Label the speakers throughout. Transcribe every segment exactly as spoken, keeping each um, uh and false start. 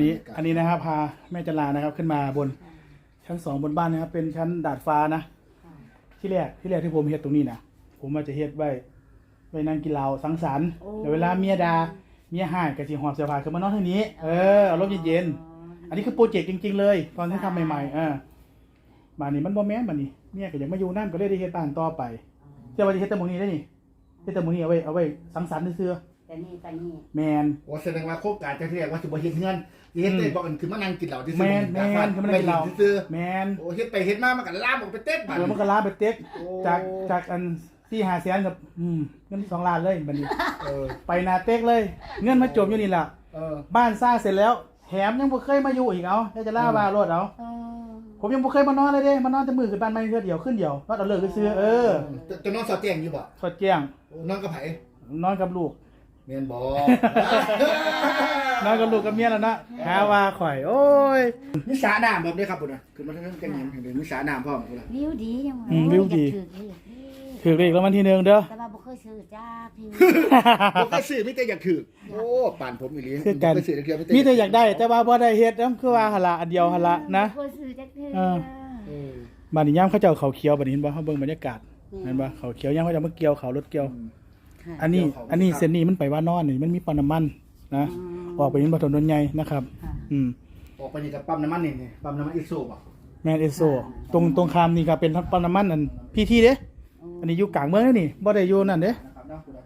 Speaker 1: นี้อันนี้นะครับพาแม่จันลานะครับขึ้นมาบนชั้นสองบนบ้านนะครับเป็นชั้นดาดฟ้านะที่แรกที่แรกที่ผมเฮ็ดตรงนี้นะผมว่าจะเฮ็ดไว้ไว้นั่งกินเหล้าสังสรรค์เดี๋ยวเวลาเมียดาเมียห่ายกับจีหอบเสื้อผ้าขึ้นมานอนทางนี้เออเอาลมเย็นๆอันนี้คือโปรเจกต์จริงๆเลยตอนที่ทำใหม่ๆเออบ้านนี้มันบ่แม่นบ้านนี้เมียก็อยากมาอยู่นั่นก็เลยได้เฮ็ดบ้านต่อไปเจ้าว่าจะเฮ็ดแต่หมู่นี้ได้นี่เฮ็ดแต่หมู่นี้เอาไว้เอาไว้สังสรรค์ซื่อๆ
Speaker 2: แต่นี่แต่นี่
Speaker 1: แมน
Speaker 3: โอ้แสดงว่าโครงการจะเรียกว่าสิบ่เฮ็ดเงินเฮ็ดได้บอกกันคือมานั่งกินเหล้าที่
Speaker 1: แมนแมนคือมันได้เราแมน
Speaker 3: โอ้เฮ็ดไปเฮ็ดมามันก็ลามออกไปเต้นบัด
Speaker 1: เออมันก็ล้าไปเต็กจากจากอันที่หาแสนกับอืมเงินสองล้านเลยบัดนี้
Speaker 3: เออ
Speaker 1: ไปนาเต็กเลย เงินมาจมอยู่นี่แหละ
Speaker 3: เออ
Speaker 1: บ้านสร้างเสร็จแล้วแถมยังบ่เคยมาอยู่อีกเอาจะล่าว่ารถเอาผมยังบ่เคยมานอนเลยเด้มานอนแต่มือขึ้นบ้านไม่เทื่อเดียวขึ้นเดียวนอนเอาเลิกซื้อเออ
Speaker 3: จะนอนสอดแจ้งอยู่บ่
Speaker 1: สดแจ้ง
Speaker 3: นอนกับไผ
Speaker 1: นอนกับลูก
Speaker 3: แม่นบ่
Speaker 1: นอนกับลูกกับเมียแล้วนะหาว่าข่อยโอ้ย
Speaker 3: มีสระน้ำแบบนี้ครับพุ่นน่ะขึ้นมาทางนั้นจังหยังเดี๋ยวมีสระน้ำพร้อมพุ่นน่ะ
Speaker 2: วิวดีจัง
Speaker 1: อืมวิวดี
Speaker 2: ถือเลข
Speaker 1: ถือเลขรางวัลที่หนึ่งเด้อ
Speaker 2: แต่ว่าบ่เคยซื้อจ้าพี่
Speaker 3: บ่เคยซื้อมีแต่อยากถือโอ้ป่านผมอีหลี
Speaker 1: คือกัน
Speaker 3: บ่เคยซื้อเดียว
Speaker 1: มีแต่อยากได้แต่ว่าบ่ได้เฮ็ดนำคือว่าหั่นล่ะอันเดียวหั่นล่ะนะ
Speaker 2: บ่เคยซื้อจักเทื่อ
Speaker 1: เออ
Speaker 3: เออ
Speaker 1: บ้านนี้ย่ามเขาเจ้าเขาเขียวบัดนี้เห็นบ่เฮาเบิ่งบรรยากาศเห็นบ่เขาเขียวย่ามเขาเจ้ามาเกี่ยวเขารถเกี่ยว อันนี้อันนี้เส้นนี้มันไปว่านอนนี่มันมีปั๊มน้ำมันนะออกไปนี่บ่ถนนใหญ่นะครับอืม
Speaker 3: ออกไปนี่กับปั๊มน้ำมันนี่นี่ปั๊มน้ำมันอีโซบ่
Speaker 1: แม่นเอสโซตรงตรงข้ามนี่ก็เป็นปั๊มน้ำมันนั่นพีทีเด้อันนี้อยู่กลางเมืองนี่บ่ได้อยู่นั่นเด้
Speaker 3: นะครับเนาะพุ่นน่ะ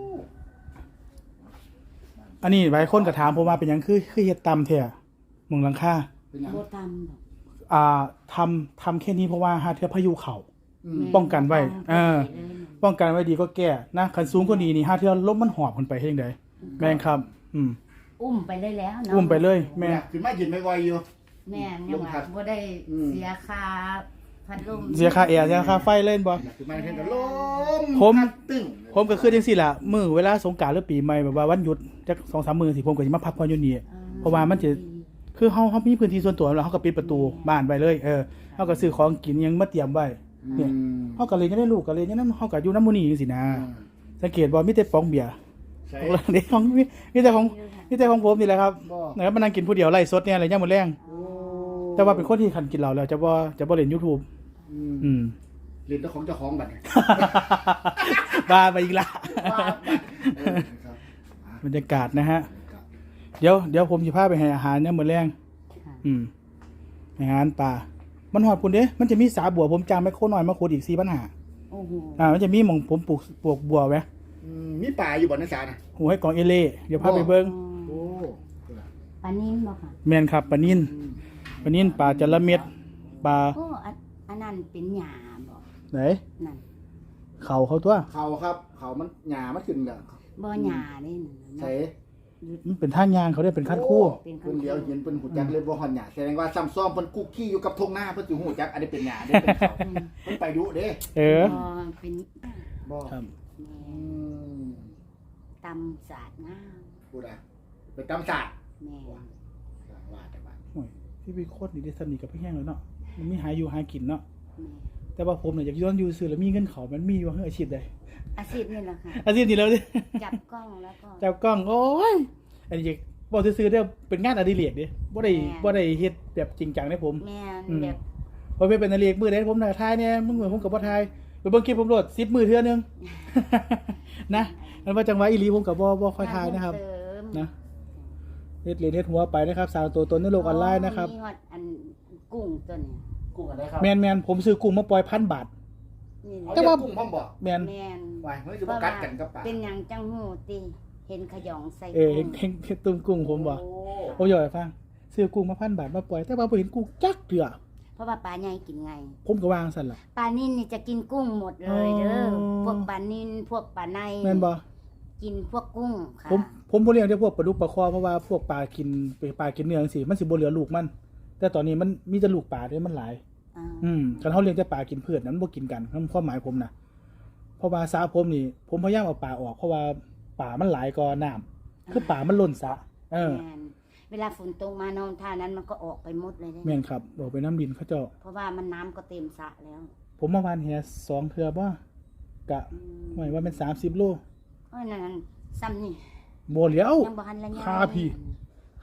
Speaker 1: อันนี้หลายคนก็ถามผมว่าเป็นหยังคือคือเฮ็ดต่ำแท้หมุงหลังคา
Speaker 3: เป็นหยัง
Speaker 2: บ่ตำดอก
Speaker 1: อ่าทำทำแค่นี้เพราะว่าหาเทื่อพายุเข้า
Speaker 3: อืม
Speaker 1: ป้องกันไว้เออ ป้องกันไว้ดีก็แก้นะคันสูงกว่านี้นี่หาเทื่อลมมันหอบขึ้นไปเฮ็ดจังได๋แม่นครับอืม
Speaker 2: อุ้มไปเลยแล้วเนาะ
Speaker 1: อุ้มไปเลยแม่
Speaker 3: แม่ขึ้นมายืนไวๆอยู่
Speaker 2: แม่นยังว่าบ่ได้เสียค่าพัดลม
Speaker 1: เสียค่าแอร์เสียค่าไฟเล่นบ่
Speaker 3: ขึ้นมาเห็นก็ลม
Speaker 1: ผม
Speaker 3: ตึ้ง
Speaker 1: ผมก็คือจังซี่ล่ะมื้อเวลาสงกรานต์หรือปีใหม่แบบว่าวันหยุดจัก สองสาม มื้อสิผมก็สิมาพักผ่อนอยู่นี่เพราะว่ามันจะคือเฮาเฮามีพื้นที่ส่วนตัวแล้วเฮาก็ปิดประตูบ้านไว้เลยเออเฮาก็ซื้อของกินหยังมาเตรียมไว้เนี่ยเฮาก็เลยยังได้ลูกก็เลยยังนั้นเฮาก็อยู่นำหมู่นี้จังซี่นะสังเกตบ่มีแต่ฟองเบียร์
Speaker 3: ใช่
Speaker 1: เด็กของมีมีแต่ของมีแต่ของผมนี่แหละครับ
Speaker 3: บ่
Speaker 1: นะครับมานั่งกินผู้เดียวไล่สดเนี่ยอะไรย่ามมื้อแรง
Speaker 3: โอ้
Speaker 1: แต่ว่าเป็นคนที่คันกินเหล้าแล้วจะบ่จะบ่เล่น YouTube
Speaker 3: อืม
Speaker 1: อืม
Speaker 3: เรียนเจ้าของเจ้าของบัดนี้
Speaker 1: บ้าไปอีกละ
Speaker 3: เออครับ
Speaker 1: บรรยากาศนะฮะ
Speaker 3: ครับ
Speaker 1: เดี๋ยวเดี๋ยวผมสิพาไปให้อาหารเนี่ยมื้อแรงอืมอาหารป่ามันฮอดพุ่นเด้มันจะมีสาบัวผมจ้างไมโครน้อยมาขุดอีกสี่พันห้าร้อย
Speaker 2: โอ้โห
Speaker 1: อ่ามันจะมีหม่องผมปลูกปลูกบัวไว้
Speaker 3: อืมมีป่าอยู่บ่ในสาน่ะ
Speaker 1: หูให้กองเอเล่เดี๋ยวพาไปเบิ่ง
Speaker 3: โอ้
Speaker 2: ปลานิ่มบ่ค่ะ
Speaker 1: แม่นครับปลานิลปลานิลปลาจระเม็ดปลา
Speaker 2: โอ้อันอันนั้นเป็นหญ้าบ่
Speaker 1: ไหน
Speaker 2: นั่น
Speaker 1: เขาเขาตัว
Speaker 3: เขาครับเขามันหญ้ามันขึ้นแล้ว
Speaker 2: บ่หญ้าเด้นั่น
Speaker 3: ใส่
Speaker 1: มันเป็นท่างยางเขาเรียกเป็นขั้นคู่
Speaker 3: เพิ่นเดียวเห็นเพิ่นหูจักเลยบ่ฮอดหญ้าแสดงว่าซ้ำซ้อมเพิ่นกุกขี้อยู่กับทุ่งนาเพิ่นสิหูจักอันนี้เป็นหญ้าเด้เป็นเขาเพิ่นไปดุเด้
Speaker 1: เออ
Speaker 2: บ่เป็น
Speaker 3: บ่
Speaker 1: ครับ
Speaker 3: อืม
Speaker 2: ตำสาดน้ำ
Speaker 3: พูดอ่ะไปตำศาสตร์
Speaker 2: แม่
Speaker 3: ว่าว่าแต่ว่า
Speaker 1: โอ้ยที่พี่โคตรนี่ได้สนิทกับพี่แห้งแล้วเนาะมันมีหาอยู่หากินเนาะ
Speaker 2: แม่
Speaker 1: แต่ว่าผมเนี่ยอยากย้อนอยู่ซื้อแล้วมีเงินเขามันมีอยู่เฮ้ยอาชีพใด
Speaker 2: อาชีพนี่แหละค่ะ
Speaker 1: อาชีพนี้แล้วดิ
Speaker 2: จับกล้องแล้วก็
Speaker 1: เจ้ากล้องโอ้ยอันนี้บอกซื้อๆเด้อเป็นงานอดิเรกดิบ่ได้บ่ได้เฮ็ดแบบจริงจังได้ผม
Speaker 2: แม่
Speaker 1: อืม
Speaker 2: แบบ
Speaker 1: พอไปเป็นอดิเรกมื้อใดผมน่ะทายเนี่ยมึงเหมือนผมกับบ่ทายไปเบิ่งคลิปผมโหลดสิบมื้อเทื่อนึง นะมันว่าจังหวะอีหลีผมก็บ่บ่ค่อยทายนะครับ
Speaker 2: เสริม
Speaker 1: นะเฮ็ดเรียนเฮ็ดหัวไปนะครับสร้างตัวตนในโลกออนไลน์นะครับ
Speaker 2: มีฮอดอันกุ้งตัวนี้
Speaker 3: กุ้งอะไรครับ
Speaker 1: แมนแมนผมซื้อกุ้งมาปล่อยพันบาท
Speaker 2: นี่
Speaker 3: เอา
Speaker 2: แห
Speaker 1: แต่
Speaker 2: ละ
Speaker 1: ว่า
Speaker 3: กุ้งพร้อมบ่
Speaker 1: แมน
Speaker 2: แม่น
Speaker 3: ไว้เฮ้ยสิบ่กัดกันกับปลา
Speaker 2: เป็นหยังจังหูติเห็นขยองใส่
Speaker 1: เออเห็นเห็นเห็นตุ้มกุ้งผมบ่
Speaker 3: โอ้
Speaker 1: ผมอยากให้ฟังซื้อกุ้งมาพันบาทมาปล่อยแต่ว่าบ่เห็นกุ้งจักเถื่อ
Speaker 2: เพราะว่าปลาใหญ่กินไง
Speaker 1: ผมก็วางสั่นล่ะ
Speaker 2: ปลานิ่นนี่จะกินกุ้งหมดเลยเด้ออ
Speaker 1: อ
Speaker 2: พวกปลานิ่นพวกปลาใน
Speaker 1: แม่นบ่
Speaker 2: กินพวกกุ้งค่ะ
Speaker 1: ผมผมบ่เลี้ยงแต่พวกปลาดุกปลาคอเพราะว่าพวกปลากินปลากินเนื้อจังซี่มันสิบ่เหลือลูกมัน แต่ตอนนี้มันมีแต่ลูกปลาเด้มันหลาย
Speaker 2: อ่า
Speaker 1: อืมคันเฮาเลี้ยงแต่ปลากินพืชนั้นมันบ่กินกันนั่นความหมายผมนะเพราะว่าสระผมนี่ ผมพยายามเอาปลาออกเพราะว่าปลามันหลายกว่าน้ำคือปลามันล้นสระเออ
Speaker 2: แม่นเวลาฝนตกมานอนท่านั้นมันก็ออกไปหมดเลยเด้
Speaker 1: แม่นครับออกไปน้ำดินเขาเจ้า
Speaker 2: เพราะว่ามันน้ำก็เต็มสระแล้ว
Speaker 1: ผมมาวานแหสองเทื่อบ่กะ
Speaker 2: อืม
Speaker 1: หมายว่าเป็นสามสิบโล
Speaker 2: เอ้ยนั่นซ้ำนี่
Speaker 1: บ่เหลียว
Speaker 2: ยังบ่ทันละย
Speaker 1: คาพี่ ค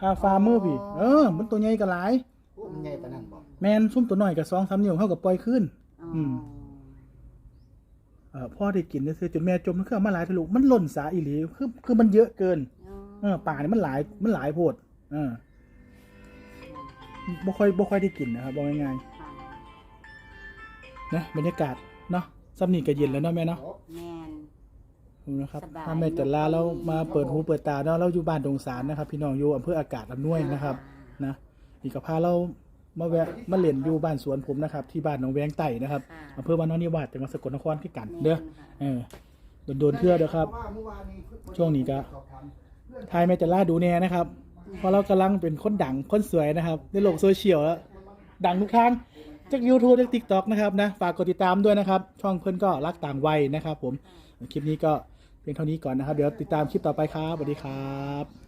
Speaker 1: คาฟาร์มเมอร์พี่เออมันตัวใหญ่ก็หลาย
Speaker 3: โอ้มันใหญ่ปานนั้นบ่
Speaker 1: แมนซุ่มตัวน้อยก็สองสามนิ้วเฮาก็ปล่อยขึ้น
Speaker 2: อ๋อ
Speaker 1: อืม เอ่อพ่อได้กินซื่อๆจนแม่จมมันคือเอามาหลายทะลุมันหล่นสาอีหลีคือคือมันเยอะเกิน
Speaker 2: อ๋อ
Speaker 1: เออป่านี่มันหลายมันหลายโพดเออบ่ค่อยบ่ค่อยได้กินนะครับบอกง่าย
Speaker 2: ค่ะ
Speaker 1: ๆนะบรรยากาศเนาะซ้ำนี่ก็เย็นแล้วเนาะแม่เนาะ
Speaker 2: แม่น
Speaker 1: ดูนะครับ
Speaker 2: สบาย
Speaker 1: ถ้าแม่จันลาเรามาเปิดหูเปิดตาเนาะเราอยู่บ้านดงสารนะครับ พี่น้องอยู่อำเภออากาศอำนวยนะครับนะอีกก็พาเรามาแวะมาเล่นอยู่บ้านสวนผมนะครับ ที่บ้านหนองแวงไต่นะครับ
Speaker 2: ค่ะ
Speaker 1: อำเภอบ้านน้องนิวาสจังหวัดสกลนครคือกัน
Speaker 2: แม่น
Speaker 1: เด้อ
Speaker 2: ค่ะ
Speaker 1: เออโดนๆเทื่อเด้อครับ
Speaker 3: เพาะว่าเมื่อวานนี้
Speaker 1: ช่วงนี้ก็ ทายแม่จันลาดูแน่นะครับเพราะเรากำลังเป็นคนดังคนสวยนะครับ ในโลกโซเชียลแล้วดังทุกทางจาก YouTube จาก TikTok นะครับนะฝากกดติดตามด้วยนะครับ ช่องเพื่อนก็รักต่างวัยนะครับ ผมคลิปนี้ก็เพียงเท่านี้ก่อนนะครับ เดี๋ยวติดตามคลิปต่อไปครับสวัสดีครับ